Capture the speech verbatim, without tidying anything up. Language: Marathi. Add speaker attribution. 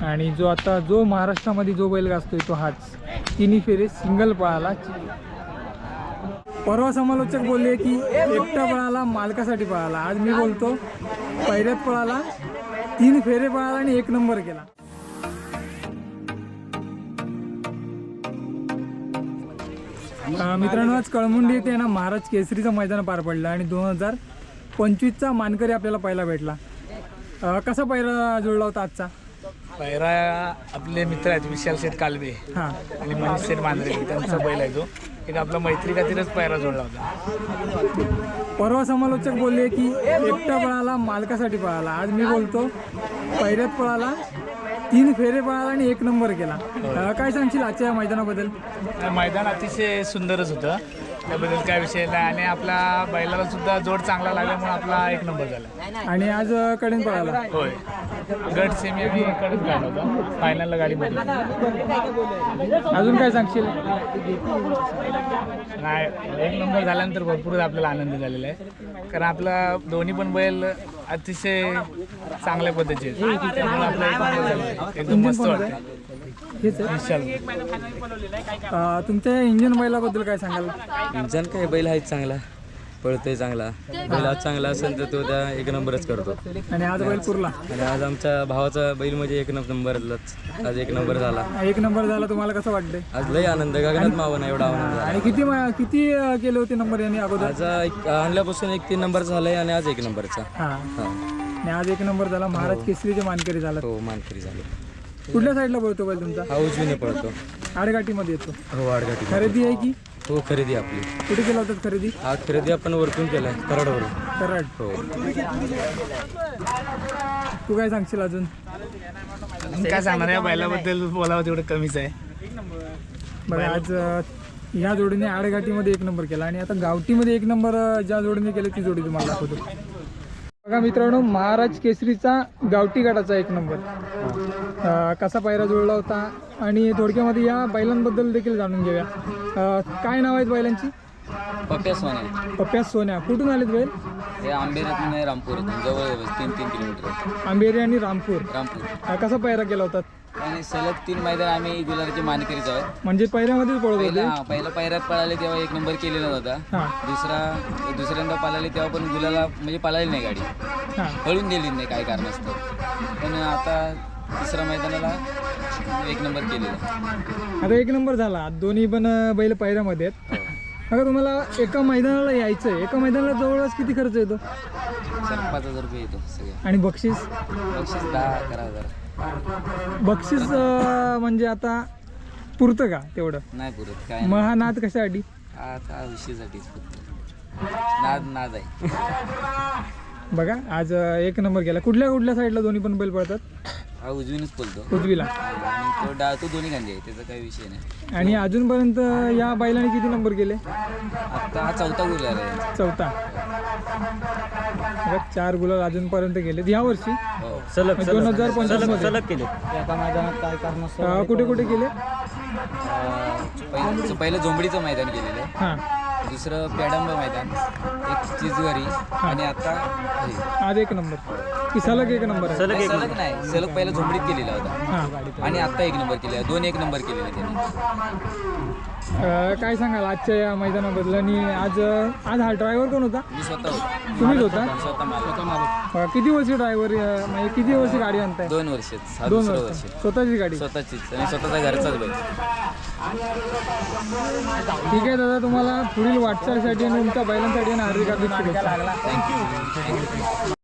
Speaker 1: आणि जो आता जो महाराष्ट्रामध्ये जो बैल गाजतोय तो हाच तिन्ही फेरे सिंगल पळाला। परवा समालोचक बोलले की एकटा पळाला मालकासाठी पळाला, आज मी बोलतो पहिल्यात पळाला, तीन फेरे पळाला आणि एक नंबर केला। मित्रांनो आज कळमुंडी येथे ना महाराज केसरीचं मैदान पार पडलं आणि दोन हजार पंचवीसचा मानकरी आपल्याला पहिला भेटला। कसा पहिला जुळला होता आजचा?
Speaker 2: पहिरा आपले मित्र आहेत विशाल शेठ कालवे
Speaker 1: हां
Speaker 2: आणि मनीष शेठ मांजरे, त्यांचा बैल आहे तो एक आपला मैत्री खातीरच पहिरा जोडला होता।
Speaker 1: परवा समालोचक बोलले की एकटा पळाला मालकासाठी पळाला, आज मी बोलतो पहिल्यात पळाला, तीन फेरे पळाला आणि एक नंबर केला। काय सांगशील आजच्या मैदानाबद्दल?
Speaker 2: मैदान अतिशय सुंदरच होतं, त्याबद्दल काय विषय नाही आणि आपला बैलाला सुद्धा जोड चांगला लागल्यामुळे आपला एक नंबर झाला।
Speaker 1: आणि आज कडेन पळाला?
Speaker 2: होय, गट सेमी आम्ही कडेच काढला होता, फायनलला गाडी मध्ये।
Speaker 1: अजून काय सांगशील?
Speaker 2: नाही, एक नंबर झाल्यानंतर भरपूर आपल्याला आनंद झालेला आहे, कारण आपला दोन्ही पण बैल अतिशय चांगल्या पद्धतीचे आहेत, त्यामुळे आपला एक नंबर झाला, एकदम मस्त वाटतं।
Speaker 1: हेच तुमच्या इंजन बैलाबद्दल काय सांगाल?
Speaker 3: इंजन काय बैल आहे चांगला, पळतोय चांगला, बैल आज चांगला असेल तर तो त्या एक नंबरच करतो।
Speaker 1: आणि आज बैल पुरला
Speaker 3: आणि आज आमच्या भावाचा बैल म्हणजे एक नंबरलाच आज एक नंबर झाला।
Speaker 1: एक नंबर झाला, तुम्हाला कसं वाटतंय?
Speaker 3: आज लय आनंद, गगनात मावं ना एवढा आनंद झाला।
Speaker 1: आणि किती किती केले होते नंबर यांनी अगोदर?
Speaker 3: आज एक आणल्यापासून एक तीन नंबर झालाय आणि आज एक नंबरचा।
Speaker 1: हां
Speaker 3: हां,
Speaker 1: आणि आज एक नंबर झाला, महाराज केसरीचे मानकरी झाला।
Speaker 3: हो मानकरी झाले।
Speaker 1: कुठल्या साईडला पळतो बैल तुमचा?
Speaker 3: हा उजवीने पळतो,
Speaker 1: आडगाठीमध्ये येतो।
Speaker 3: हो आडगाठी
Speaker 1: खरेदी आहे की?
Speaker 3: हो खरेदी आपली।
Speaker 1: कुठे केला होतात खरेदी?
Speaker 3: हा खरेदी आपण वरतून केलाय, कराडवरून।
Speaker 1: कराड।
Speaker 3: हो,
Speaker 1: तू काय सांगशील अजून?
Speaker 2: काय सांगणार, या बैलाबद्दल बोलावं तेवढं कमीच आहे।
Speaker 1: बघा आज ह्या जोडीने आडगाठीमध्ये एक नंबर केला आणि आता गावठीमध्ये एक नंबर ज्या जोडीने केले ती जोडी तुम्हाला दाखवतो। बघा मित्रांनो, महाराज केसरीचा गावठी गटाचा एक नंबर कसा पायरा जुळला होता आणि थोडक्यामध्ये या बैलांबद्दल देखील जाणून घेऊया। काय नाव आहेत बैलांची?
Speaker 3: पप्प्या सोन्या।
Speaker 1: पप्प्या सोन्या कुठून आलेत बैल?
Speaker 3: हे आंबेरातून आहे, रामपूर जवळ तीन तीन किलोमीटर।
Speaker 1: आंबेरी आणि रामपूर।
Speaker 3: रामपूर
Speaker 1: कसा पायरा केला होता?
Speaker 3: आणि सलग तीन मैदान आम्ही गुलाबाचे मानकरीच आहोत।
Speaker 1: म्हणजे पहिल्यामध्येच पळत होते?
Speaker 3: पहिला पहिला पायऱ्यात पळाले तेव्हा एक नंबर केलेला होता।
Speaker 1: हां
Speaker 3: दुसरा दुसऱ्यांदा पळाले तेव्हा पण गुलाला म्हणजे पळाली नाही गाडी,
Speaker 1: हां
Speaker 3: पळून दिली नाही काही कारणास्तव, पण आता तिसऱ्या मैदानाला एक नंबर केलेला।
Speaker 1: आता एक नंबर झाला, दोन्ही पण बैल पायऱ्यामध्ये आहेत। अगं तुम्हाला एका मैदानाला यायचं आहे, एका मैदानाला जवळपास किती खर्च येतो?
Speaker 3: सर पाच हजार रुपये येतो सगळं।
Speaker 1: आणि बक्षीस?
Speaker 3: बक्षीस दहा अकरा हजार।
Speaker 1: बक्षीस म्हणजे आता पुरतं का तेवढं?
Speaker 3: नाही पुरत काय,
Speaker 1: मग हा नाद कशासाठी?
Speaker 3: आता विषयीसाठीच फक्त नाद नाद आहे।
Speaker 1: बघा आज एक नंबर केला। कुठल्या कुठल्या साईडला दोन्ही पण बैल पळतात?
Speaker 3: हा उजवीनच बोलतो,
Speaker 1: उजवीला।
Speaker 3: आणि तो डाळ तो दोन्ही गांधी आहे, त्याचा काही विषय नाही।
Speaker 1: आणि अजूनपर्यंत या बैलाने किती नंबर केले?
Speaker 3: आता हा चौथा गुलाल आहे।
Speaker 1: चौथा। बघा चार गुलाल अजूनपर्यंत गेले ह्या वर्षी,
Speaker 3: हो
Speaker 1: सलग दोन हजार पंचवीस मध्ये
Speaker 3: केले। एका मैदानात काय कारण
Speaker 1: कुठे कुठे केले?
Speaker 3: पहिलं पहिलं झोंबडीचं मैदान केलेलं आहे,
Speaker 1: हां
Speaker 3: दुसरं पेडंब मैदान, एक चिजवारी, आणि आता हे
Speaker 1: आज एक नंबर की सलग एक नंबर आहे?
Speaker 3: सलग सलग नाही, सलग पहिला झोंबडीत केलेला होता
Speaker 1: हां
Speaker 3: आणि आता एक नंबर केलेला, दोन एक नंबर केलेला त्याने।
Speaker 1: काय सांगाल आजच्या या मैदानाबद्दल? आणि आज आज हा ड्रायव्हर कोण होता?
Speaker 3: मी स्वतः होतो।
Speaker 1: तुम्हीच होता?
Speaker 3: स्वतः मला
Speaker 1: किती वर्षी ड्रायव्हर म्हणजे किती वर्षी गाडी आणताय?
Speaker 3: दोन वर्ष
Speaker 1: दोन वर्ष स्वतःची गाडी?
Speaker 3: स्वतःचीच आणि स्वतःचा घरचाच बैल।
Speaker 1: ठीक आहे दादा, तुम्हाला पुढील वाटचालीसाठी आणि तुमच्या बैलांसाठी आणि हार्दिक हार्दिक शुभेच्छा।
Speaker 3: थँक्यू।